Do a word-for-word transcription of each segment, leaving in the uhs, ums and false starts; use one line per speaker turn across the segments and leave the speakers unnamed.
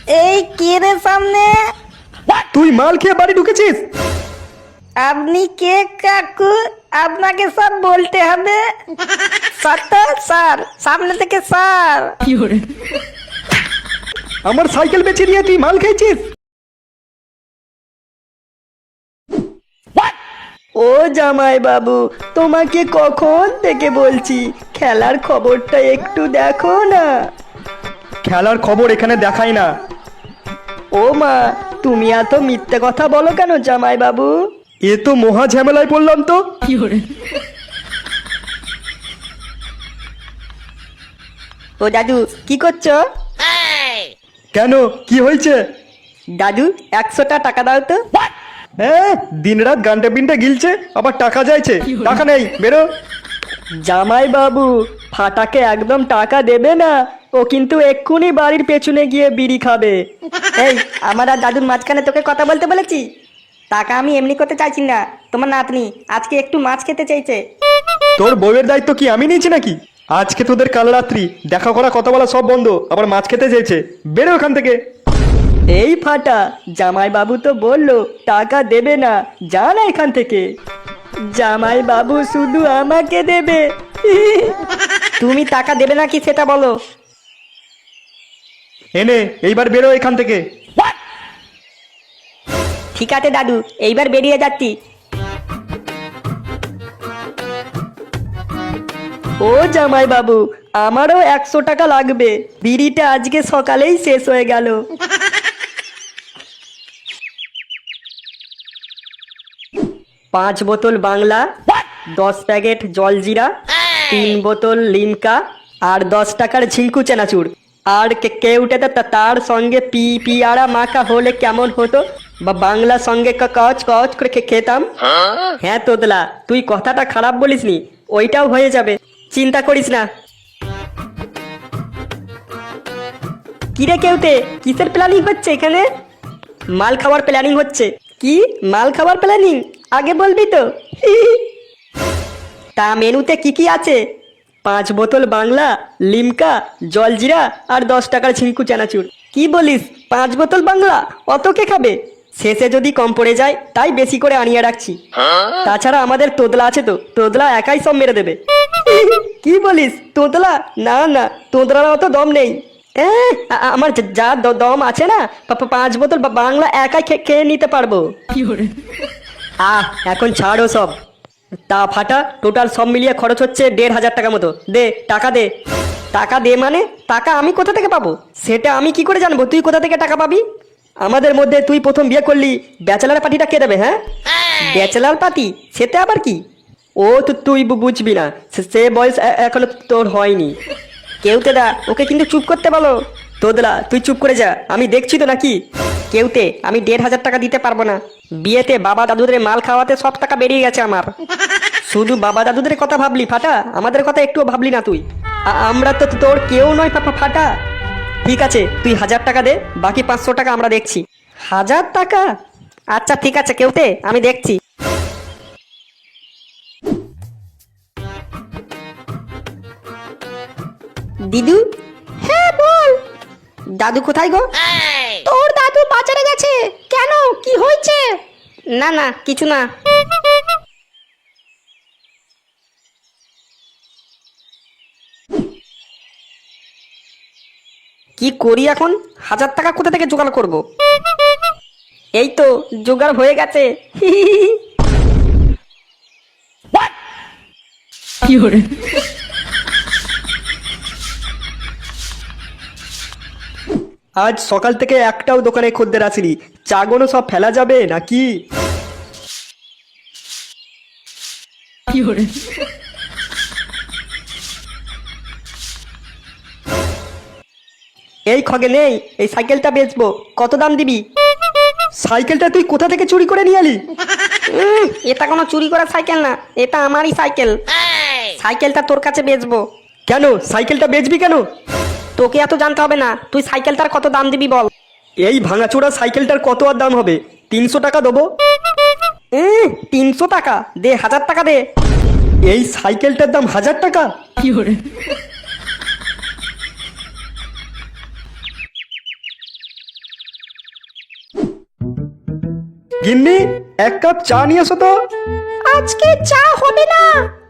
এই কে রে সামনে?
তুই মাল খেয়ে বাড়ি ঢুকেছিস?
আপনি কে কাকু? আপনাকে সব বলতে হবে। স্যার তো স্যার, সামনে থেকে স্যার।
আমার সাইকেল বেচে দিয়ে তুই মাল খেয়েছিস? ও জামাই বাবু, তোমাকে কখন থেকে বলছি খেলার খবরটা একটু দেখো না। খেলার খবর এখানে দেখাই না। ও মা, তুমি এত মিথ্যে কথা বলো কেন জামাই বাবু? এ তো মহা ঝামেলায় পড়লাম তো। ও দাদু, কি করছো? কেন, কি হয়েছে? দাদু, একশোটা টাকা দাও তো। হ্যাঁ, দিন রাত গানটা পিনটা গিলছে, আবার টাকা চাইছে। টাকা নেই, বেরো। জামাই বাবু, ফাটাকে একদম টাকা দেবে না, ও কিন্তু এক্ষুনি বাড়ির পেছনে গিয়ে বিড়ি খাবে।
এই, আমার আর দাদুর মাঝখানে তোকে কথা বলতে বলেছি? টাকা আমি এমনি করতে চাইছি না। তোমার নাতনি আজকে একটু মাছ খেতে চাইছে।
তোর বউয়ের দায়িত্ব কি আমি নিয়েছি নাকি? আজকে তোদের কাল রাত্রি দেখা করা, কথা বলা সব বন্ধ, আবার মাছ খেতে চেয়েছে। বেরো ওখান থেকে। এই ফাটা, জামাই বাবু তো বললো টাকা দেবে না, যা না এখান থেকে। জামাই বাবু শুধু আমাকে দেবে।
তুমি টাকা দেবে নাকি সেটা বলো।
এনে এইবার বেরো এখান থেকে।
ঠিক আছে দাদু, এইবার বেরিয়ে যাচ্ছি।
ও জামাই বাবু, আমারও একশো টাকা লাগবে, বিড়িটা আজকে সকালেই শেষ হয়ে গেল। পাঁচ বোতল বাংলা, দশ প্যাকেট জলজিরা, তিন বোতল লিমকা, আর দশ টাকার ঝিঙ্কু চেনাচুর। আর কে- কেউটাতে তা- তার সঙ্গে পি পিয়ারা মাখা হলে কেমন হতো? বা বাংলা সঙ্গে ক- কচ কচ করে খে- খেতাম। হ্যাঁ তোদলা, তুই কথাটা খারাপ বলিসনি, ওইটাও হয়ে যাবে, চিন্তা করিস না। কিরে কেউতে, কিসের প্ল্যানিং হচ্ছে এখানে? মাল খাওয়ার প্ল্যানিং হচ্ছে। কি মাল খাওয়ার প্ল্যানিং? আগে বলবি তো। তা মেনুতে কি কি আছে? পাঁচ বোতল বাংলা, লিমকা, জলজিরা, আর দশ টাকার ঝিঙ্কু চানাচুর। কি বলিস, পাঁচ বোতল বাংলা? অত কে খাবে? শেষে যদি কম পড়ে যায় তাই বেশি করে আনিয়ে রাখছি। তাছাড়া আমাদের তোদলা আছে তো, তোদলা একাই সব মেরে দেবে। কি বলিস, তোদলা? না না, তোদলার অত দম নেই। এ, আ- আমার যা- যা দ- দম আছে না, পা- পা- পাঁচ বোতল বা- বাংলা একাই খে- খেয়ে নিতে পারবো। আহ, এখন ছাড়ো সব। তা ফাটা, টোটাল সব মিলিয়ে খরচ হচ্ছে দেড় হাজার টাকা মতো। দে টাকা দে। টাকা দে মানে? টাকা আমি কোথা থেকে পাবো? সেটা আমি কি করে জানবো তুই কোথা থেকে টাকা পাবি? আমাদের মধ্যে তুই প্রথম বিয়ে করলি, ব্যাচেলার পার্টিটা কে দেবে? হ্যাঁ, ব্যাচেলার পার্টি, সেটা আবার কি? ও তো তুই বু- বুঝবি না, সে- সে বয়স এ- এখনো তোর হয়নি। কেউতে দা, ওকে কিন্তু চুপ করতে বলো। তোদলা, তুই চুপ করে যা, আমি দেখছি তো নাকি। কেউতে, আমি দেড় হাজার টাকা দিতে পারবো না। বিয়েতে বাবা দাদুদের মাল খাওয়াতে সব টাকা বেরিয়ে গেছে আমার। শুধু বাবা দাদুদের কথা ভাবলি ফাটা, আমাদের কথা একটুও ভাবলি না তুই। আ- আমরা তো তোর কেউ নয় ফা- ফা- ফাটা। ঠিক আছে, তুই হাজার টাকা দে, বাকি পাঁচশো টাকা আমরা দেখছি। হাজার টাকা? আচ্ছা ঠিক আছে কেউতে, আমি দেখছি। দিদু? হ্যাঁ বল। দাদু কোথায় গো? তোর দাদু বাজারে গেছে। কেন, কি হয়েছে? না না, কিছু না। কি করি এখন? হাজার টাকা কোথা থেকে জোগাড় করব? এই তো জোগাড় হয়ে গেছে। আজ সকাল থেকে একটাও দোকানে খদ্দের আসেনি, চাগনো সব ফেলা যাবে নাকি? এই খগে নেই, এই সাইকেলটা বেচবো, কত দাম দিবি? সাইকেলটা তুই কোথা থেকে চুরি করে নিয়ে এলি? উম, এটা কোনো চুরি করা সাইকেল না, এটা আমারই সাইকেল। সাইকেলটা তোর কাছে বেচবো। কেন, সাইকেলটা বেচবি কেন? তোকে এত জানতে হবে না, তুই সাইকেলটার কত দাম দিবি বল। এই ভাঙাচোরা সাইকেলটার কত আর দাম হবে? তিনশো টাকা দেবো। তিনশো টাকা? দে হাজার টাকা দে। এই সাইকেলটার দাম হাজার টাকা?
গিন্নি এক কাপ চা নিয়ে এসো তো।
আজকে চা হবে না।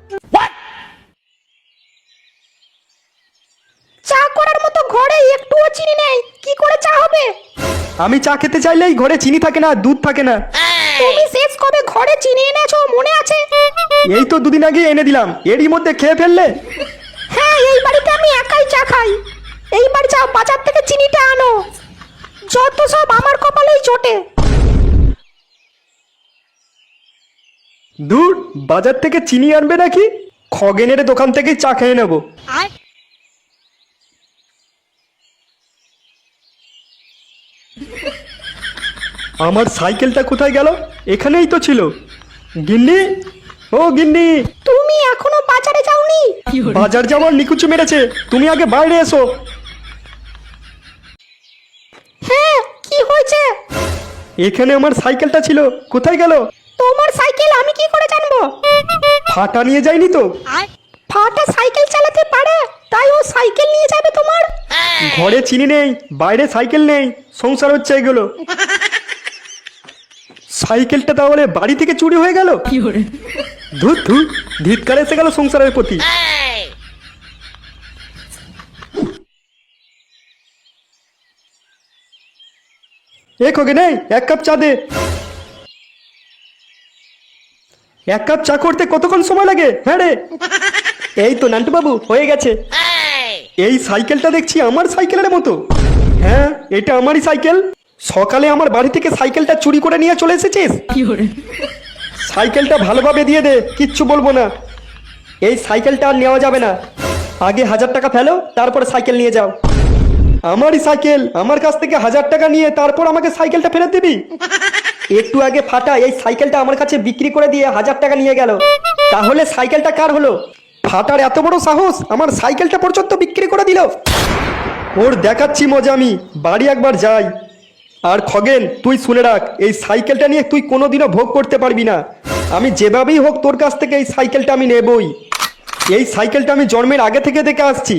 চা করার মতো ঘরে একটুও চিনি নেই, কি করে চা হবে?
আমি চা খেতে চাইলেই ঘরে চিনি থাকে না, দুধ থাকে না।
তুমি শেষ কবে ঘরে চিনি এনেছো মনে আছে?
এই তো দুদিন আগে এনে দিলাম, এরই মধ্যে খেয়ে ফেললে।
হ্যাঁ, এই বাড়িতে আমি একাই চা খাই। এইবার যাও বাজার থেকে চিনিটা আনো। যত সব আমার কপালেই জোটে।
দূর, বাজার থেকে চিনি আনবে নাকি? খগেনের দোকান থেকেই চা খেয়ে নেব। আমার সাইকেলটা কোথায় গেল? এখানেই তো ছিল। গিন্নি, ও গিন্নি,
তুমি এখনো বাজারে যাওনি?
বাজার যাওয়ার নিকুচু মেরেছে, তুমি আগে বাইরে এসো।
হ্যাঁ, কি হয়েছে?
এখানে আমার সাইকেলটা ছিল, কোথায় গেল?
তোমার সাইকেল আমি কি করে জানবো?
ফাটা নিয়ে যায়নি তো?
ফাটা সাইকেল চালাতে পারে, তাই ও সাইকেল নিয়ে যাবে তোমার?
ঘরে চিনি নেই, বাইরে সাইকেল নেই, সংসার হচ্ছে এগুলো। সাইকেলটা তাহলে বাড়ি থেকে চুরি হয়ে গেল? ধুত ধুত, ধিৎকার এসে গেল সংসারের প্রতি। এ খোগে নেই, এক কাপ চা দে। এক কাপ চা করতে কতক্ষণ সময় লাগে? হ্যাঁ রে। এই তো নান্টু বাবু, হয়ে গেছে। এই সাইকেলটা দেখছি আমার সাইকেলের মতো। হ্যাঁ, এটা আমারই সাইকেল। সকালে আমার বাড়ি থেকে সাইকেলটা চুরি করে নিয়ে চলে এসেছিস? সাইকেলটা ভালোভাবে দিয়ে দে, কিচ্ছু বলবো না। এই সাইকেলটা আর নেওয়া যাবে না। আগে হাজার টাকা ফেলো, তারপরে সাইকেল নিয়ে যাও। আমারই সাইকেল, আমার কাছ থেকে হাজার টাকা নিয়ে তারপর আমাকে সাইকেলটা ফেরত দিবি? একটু আগে ফাটা এই সাইকেলটা আমার কাছে বিক্রি করে দিয়ে হাজার টাকা নিয়ে গেল। তাহলে সাইকেলটা কার হলো? ফাটার এত বড় সাহস, আমার সাইকেলটা পর্যন্ত বিক্রি করে দিল। ওর দেখাচ্ছি মজা আমি, বাড়ি একবার যাই। আর খগেন, তুই শুনে রাখ, এই সাইকেলটা নিয়ে তুই কোনোদিনও ভোগ করতে পারবি না। আমি যেভাবেই হোক তোর কাছ থেকে এই সাইকেলটা আমি নেবই। এই সাইকেলটা আমি জন্মের আগে থেকে দেখে আসছি।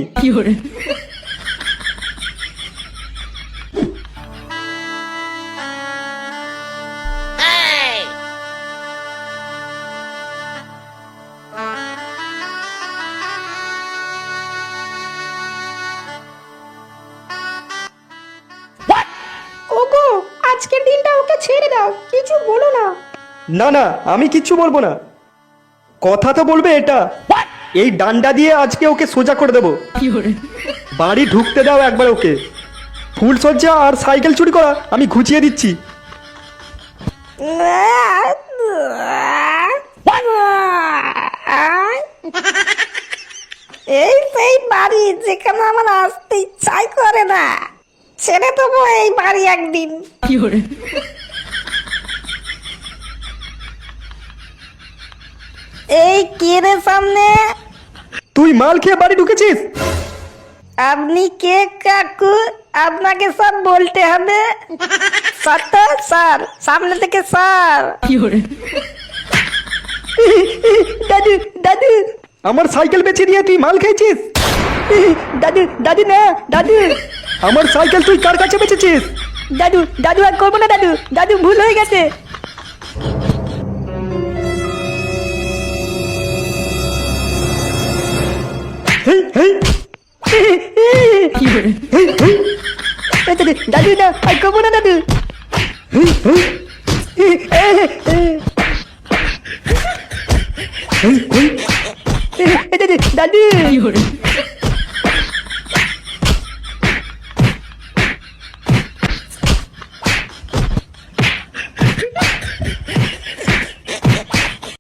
ওগো, আজকের দিনটা ওকে ছেড়ে দাও, কিছু বলো না।
না না, আমি কিচ্ছু বলবো না। কথা তো বলবে এটা। এই ডান্ডা দিয়ে আজকে ওকে সোজা করে দেবো। বাড়ি ঢুকতে দাও একবার ওকে। ফুল সজ্জা আর সাইকেল চুরি করা আমি ঘুচিয়ে দিচ্ছি।
এই সেই বাড়ি যেখানে আমার আসতে ইচ্ছাই করে না। ছেড়ে দেবো এই বাড়ি একদিন। এই কে রে সামনে?
তুই মাল খেয়ে বাড়ি ঢুকেছিস?
আপনি কে কাকু? আপনাকে সব বলতে হবে। সত্য স্যার, সামনে থেকে স্যার। দাদু দাদু,
আমার সাইকেল বেচে দিয়ে তুই মাল খেয়েছিস?
দাদু দাদু না দাদু।
আমার সাইকেল তুই কার কাছে বেচেছিস?
দাদু দাদু আর করবো না দাদু, দাদু ভুল হয়ে গেছে।
হেই হেই হেই হেই
দাদু না আর করবো না দাদু।
হেই হেই হেই হেই
দাদু দাদু